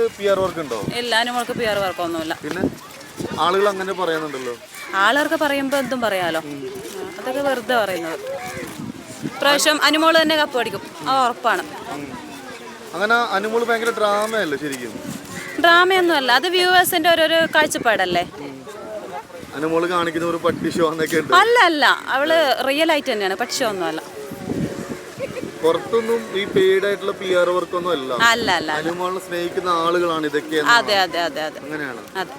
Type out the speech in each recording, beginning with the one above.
PR work ഉണ്ടോ? ഇല്ല, അനുമോൾക്ക് PR വർക്കൊന്നുമില്ല. പിന്നെ ആളുകൾ അങ്ങനെ പറയുന്നുണ്ടല്ലോ. ആളുകൾക്ക് പറയുമ്പോൾ എന്തും പറയാലോ, അതൊക്കെ വെറുതെ പറയുന്നത്. പ്രാവശ്യം അനുമോള് തന്നെ കപ്പ് അടിക്കും, അത് ഉറപ്പാണ്. അങ്ങനെ അനുമോള് ഭയങ്കര ഡ്രാമയല്ലേ ശരിക്കും? ഡ്രാമയൊന്നും അല്ല, അത് വ്യൂവേഴ്സിന്റെ ഓരോരോ കാഴ്ചപ്പാടല്ലേ. അനുമോള് കാണിക്കുന്ന ഒരു പട്ടി ഷോ എന്നൊക്കെ ഉണ്ട്. അല്ല അല്ല, അവള് റിയൽ ആയിട്ട് തന്നെയാണ്, പക്ഷെ ഒന്നും അല്ല. പുറത്തൊന്നും ഈ പെയ്ഡ് ആയിട്ടുള്ള PR വർക്കൊന്നും അല്ല. അല്ല അല്ല, അനുമോളിനെ സ്നേഹിക്കുന്ന ആളുകളാണ് ഇതൊക്കെ. അതെ അതെ അതെ അതെ, അങ്ങനെയാണ്. അതെ.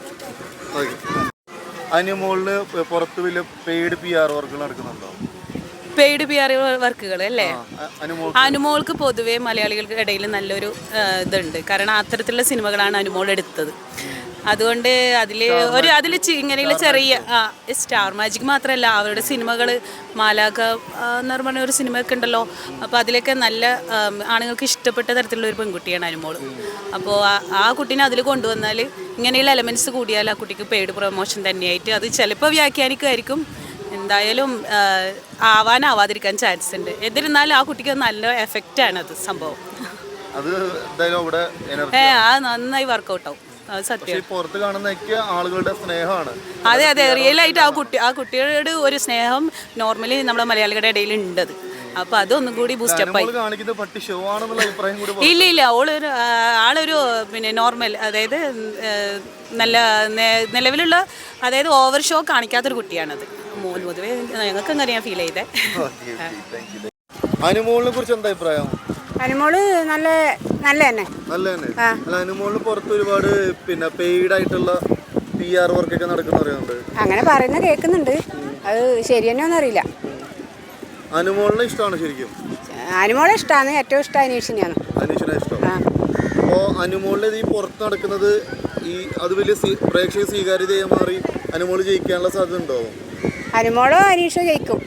അനുമോളിന് പുറത്ത് വലിയ പെയ്ഡ് PR വർക്കുകൾ നടക്കുന്നുണ്ടോ? പെയ്ഡ് PR വർക്കുകൾ അല്ലേ? അനുമോൾക്ക് പൊതുവെ മലയാളികൾക്ക് ഇടയിൽ നല്ലൊരു ഇതുണ്ട്. കാരണം അത്തരത്തിലുള്ള സിനിമകളാണ് അനുമോൾ എടുത്തത്. അതുകൊണ്ട് അതിൽ ഇങ്ങനെയുള്ള ചെറിയ സ്റ്റാർ മാജിക് മാത്രമല്ല, അവരുടെ സിനിമകൾ മാലാഖ എന്ന് പറഞ്ഞ ഒരു സിനിമയൊക്കെ ഉണ്ടല്ലോ. അപ്പോൾ അതിലൊക്കെ നല്ല ആണുങ്ങൾക്ക് ഇഷ്ടപ്പെട്ട തരത്തിലുള്ള ഒരു പെൺകുട്ടിയാണ് അനുമോൾ. അപ്പോൾ ആ കുട്ടീനെ അതിൽ കൊണ്ടുവന്നാൽ ഇങ്ങനെയുള്ള എലമെൻറ്റ്സ് കൂടിയാൽ ആ കുട്ടിക്ക് പെയ്ഡ് പ്രൊമോഷൻ തന്നെയായിട്ട് അത് ചിലപ്പോൾ വ്യാഖ്യാനിക്കുമായിരിക്കും. എന്തായാലും ആവാതിരിക്കാൻ ചാൻസ് ഉണ്ട്. എന്നിരുന്നാലും ആ കുട്ടിക്ക് നല്ല എഫക്റ്റാണ് അത് സംഭവം. അത് നന്നായി വർക്കൗട്ട് ആവും. സത്യം, പുറത്ത് കാണുന്ന ആളുകളുടെ സ്നേഹമാണ്. അതെ അതെ, റിയൽ ആയിട്ട് ആ കുട്ടിയുടെ ഒരു സ്നേഹം നോർമലി നമ്മുടെ മലയാളികളുടെ ഇടയിൽ ഉണ്ടത്. അപ്പൊ അതൊന്നും കൂടി ബൂസ്റ്റപ്പ് ആയി. ഇല്ല ഇല്ല, ആളൊരു പിന്നെ നോർമൽ, അതായത് നല്ല നിലവിലുള്ള, അതായത് ഓവർ ഷോ കാണിക്കാത്തൊരു കുട്ടിയാണത്. പൊതുവെ ഞങ്ങൾക്ക് അങ്ങനെയാ ഫീൽ ചെയ്തേ. അനുമോളിനെ കുറിച്ച് എന്താ അഭിപ്രായം? അനുമോള് നല്ല തന്നെ. അനുമോളിന് പുറത്ത് ഒരുപാട് പിന്നെ പെയ്ഡ് ആയിട്ടുള്ള PR വർക്കൊക്കെ നടക്കുന്ന പറയുന്നുണ്ട്. അങ്ങനെ പറയുന്ന കേൾക്കുന്നുണ്ട്, അത് ശരി തന്നെയൊന്നും അറിയില്ല. അനുമോളിനെ ഇഷ്ടമാണ് ശരിക്കും? അനുമോളെ ഇഷ്ടമാണ്, ഏറ്റവും ഇഷ്ടം അനീഷിനെയാണ്. അനീഷിനെ ഇഷ്ടം. അപ്പോൾ അനുമോളിന് ഈ പുറത്ത് നടക്കുന്നത് അത് വലിയ പ്രേക്ഷക സ്വീകാര്യതയായി മാറി അനുമോള് ജയിക്കാനുള്ള സാധ്യത ഉണ്ടോ? അനുമോളോ അനീഷോ ജയിക്കും.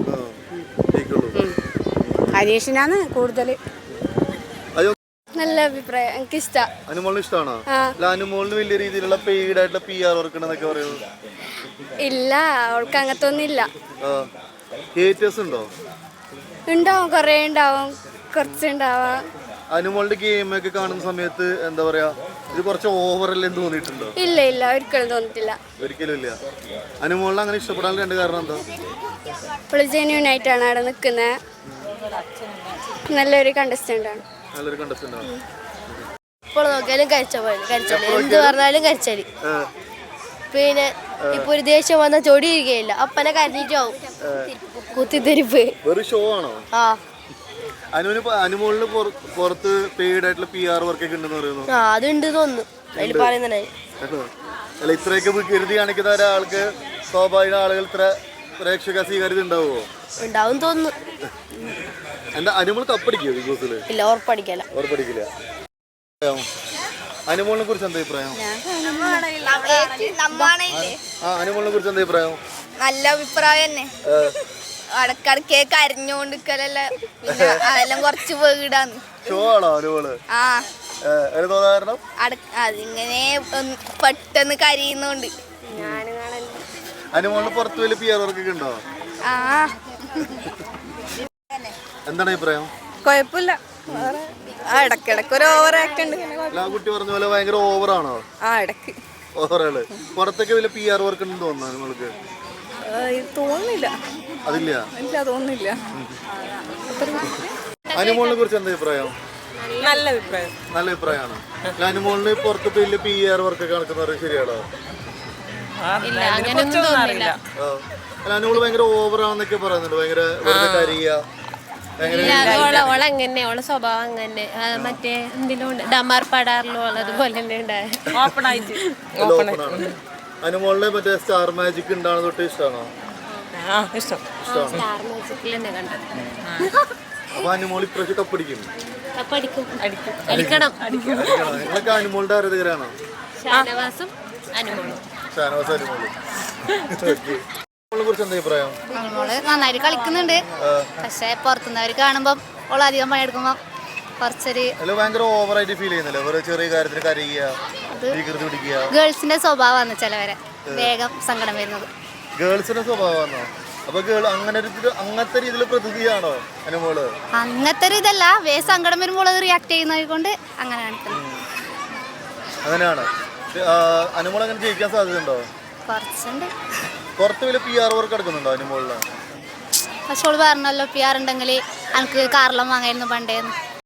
അനീഷിനാണ് കൂടുതൽ. നല്ല അഭിപ്രായം, എനിക്ക് ഇഷ്ടമാണ്. അനുമോളിന് ഇഷ്ടമാണോ? അനുമോളിന് വലിയ രീതിയിലുള്ള പെയ്ഡ് ആയിട്ടുള്ള PR വർക്ക് ഉണ്ടെന്നൊക്കെ പറയുന്നത്. ഇല്ല, അവൾക്ക് അങ്ങനത്തെ ഒന്നും ഇല്ല. ഹേറ്റേഴ്സ് ഉണ്ടോ? ഉണ്ടാവും, കുറേ ഉണ്ടാവും, കുറച്ചുണ്ടാവാം. അനുമോളുടെ ഗെയിമൊക്കെ കാണുന്ന സമയത്ത് എന്താ പറയാ, ഇത് കുറച്ച് ഓവറല്ലേ തോന്നിയിട്ടുണ്ടോ? ഇല്ല ഇല്ല, ഒരിക്കലും തോന്നിട്ടില്ല. ഒരിക്കലും ഇല്ല. അനുമോളിനെ അങ്ങനെ ഇഷ്ടപ്പെടാൻ രണ്ട് കാരണം എന്താ? ഇപ്പോൾ ജെന്യൂൻ ആയിട്ടാണ് അവിടെ നിൽക്കുന്നത്, നല്ലൊരു കണ്ടസ്റ്റന്റ് ആണ്. നല്ലൊരു കണ്ടസ്റ്റന്റ് ആണ്. ഇപ്പോൾ നോക്കിയാലും കരിച്ചോളി, എന്ത് പറഞ്ഞാലും കരിച്ചോളി. പിന്നെ ഇപ്പൊ ഒരു ദേഷ്യം വന്നാൽ ചൊടി ഇരിക്കുകയില്ല, അപ്പനെ കരഞ്ഞിട്ടാവും കുത്തിത്തിരിപ്പ്. ഒരു ഷോ ആണോ? അനുമോളിന് പുറത്ത് പെയ്ഡ് ആയിട്ടുള്ള PR വർക്കൊക്കെ ഉണ്ടെന്ന് പറയുന്നു. അതുണ്ട് തോന്നുന്നു, അതിൽ പറയുന്നേ. അല്ല, ഇത്രയൊക്കെ വികൃതി കാണിക്കുന്ന ഒരാൾക്ക് സ്വാഭാവിക ആളുകൾ ഇത്ര പ്രേക്ഷക സ്വീകാര്യത ഉണ്ടാവുമോ? ഉണ്ടാവും തോന്നുന്നു. എന്താ അനുമോൾ കപ്പടിക്കോ ബിഗ് ബോസിൽ? ഇല്ല, ഉറപ്പടിക്കില്ല. അനുമോളിനെ കുറിച്ച് എന്താ അഭിപ്രായം? അനുമോളിനെ കുറിച്ച് എന്താ അഭിപ്രായം? നല്ല അഭിപ്രായം തന്നെ. ഇടക്കിടക്ക് കരഞ്ഞോണ്ടിരിക്കലല്ലേ, അതെല്ലാം കുറച്ച് വീടാണ്. ഷോ ആണോ അനുമോള്? അതിങ്ങനെ പെട്ടെന്ന് കരയുന്നോണ്ട്. അനുമോളിന് പുറത്ത് വലിയ PR വർക്കൊക്കെ ഉണ്ടോ? എന്താണ് അഭിപ്രായം? കുഴപ്പമില്ല, ഇടക്കിടക്ക് ഒരു ഓവർ ആക്ട് ഉണ്ട്. കുട്ടി പറഞ്ഞ പോലെ ഭയങ്കര ഓവറാണോ? ഇടക്ക് ഓവറാണ്. പുറത്തൊക്കെ വലിയ PR വർക്ക് ഉണ്ടെന്ന് തോന്നുന്നു അനുമോൾക്ക്? തോന്നുന്നില്ല. അതില്ല, തോന്നുന്നില്ല. അനുമോളിനെ കുറിച്ച് എന്താ അഭിപ്രായം? നല്ല അഭിപ്രായം. നല്ല അഭിപ്രായമാണ്. അനുമോളിന് പുറത്ത് വലിയ PR വർക്കൊക്കെ നടക്കുന്നത് ശരിയാണോ? അനുമോള് ഭയങ്കര ഓവറാന്നൊക്കെ പറയുന്നുണ്ട്, ഭയങ്കര ഓളങ്ങനെ, ഓളെ സ്വഭാവം അങ്ങനെ മറ്റേ എന്തിലും ഡമാർ പടാറിലോ അതുപോലെ തന്നെ ഉണ്ടായ അനുമോളിനെ മറ്റേ സ്റ്റാർ മാജിക് ഉണ്ടാകുന്ന തൊട്ട് ഇഷ്ടമാണോ? അപ്പൊ അനുമോൾ ഇപ്രാവശ്യം കപ്പടിക്കും. നിങ്ങളൊക്കെ അനുമോളുടെ ആരാധകരാണോ? ഷാനവാസും അനുമോളും. കുറിച്ച് എന്താ അഭിപ്രായം? അനുമോള് നന്നായിട്ട് കളിക്കുന്നുണ്ട്, പക്ഷെ പുറത്തുനിന്നവർ കാണുമ്പോ ഓൾ അധികം പണിയെടുക്കുമ്പോ കുറച്ചൊരു ഭയങ്കര ഓവറായിട്ട് ഫീൽ ചെയ്യുന്നില്ല. ചെറിയ കാര്യത്തിന് കരയുക, ഗേൾസിന്റെ സ്വഭാവമാണ് ചിലവരെ വേഗം സങ്കടം വരുന്നത്. ഗേൾസിന്റെ സ്വഭാവമാണോ? അപ്പൊ അങ്ങനത്തെ രീതിയിൽ പ്രതിയാണോ അനുമോള്? അങ്ങനത്തെ ഒരു ഇതല്ല, വേഗം സങ്കടം വരുമ്പോൾ അത് റിയാക്ട് ചെയ്യുന്നത് കൊണ്ട് അങ്ങനെ കാണിക്കുന്നത്. അങ്ങനെയാണ്. അനുമോൾ അങ്ങനെ ജയിക്കാൻ സാധ്യതയുണ്ടോ? കുറച്ചുണ്ട്. പുറത്ത് വലിയ PR വർക്ക് എടുക്കുന്നുണ്ടോ അനുമോളില്? പക്ഷെ ഓള് പറഞ്ഞല്ലോ PR ഉണ്ടെങ്കിൽ എനിക്ക് കാറെല്ലാം വാങ്ങായിരുന്നു പണ്ടേന്ന്.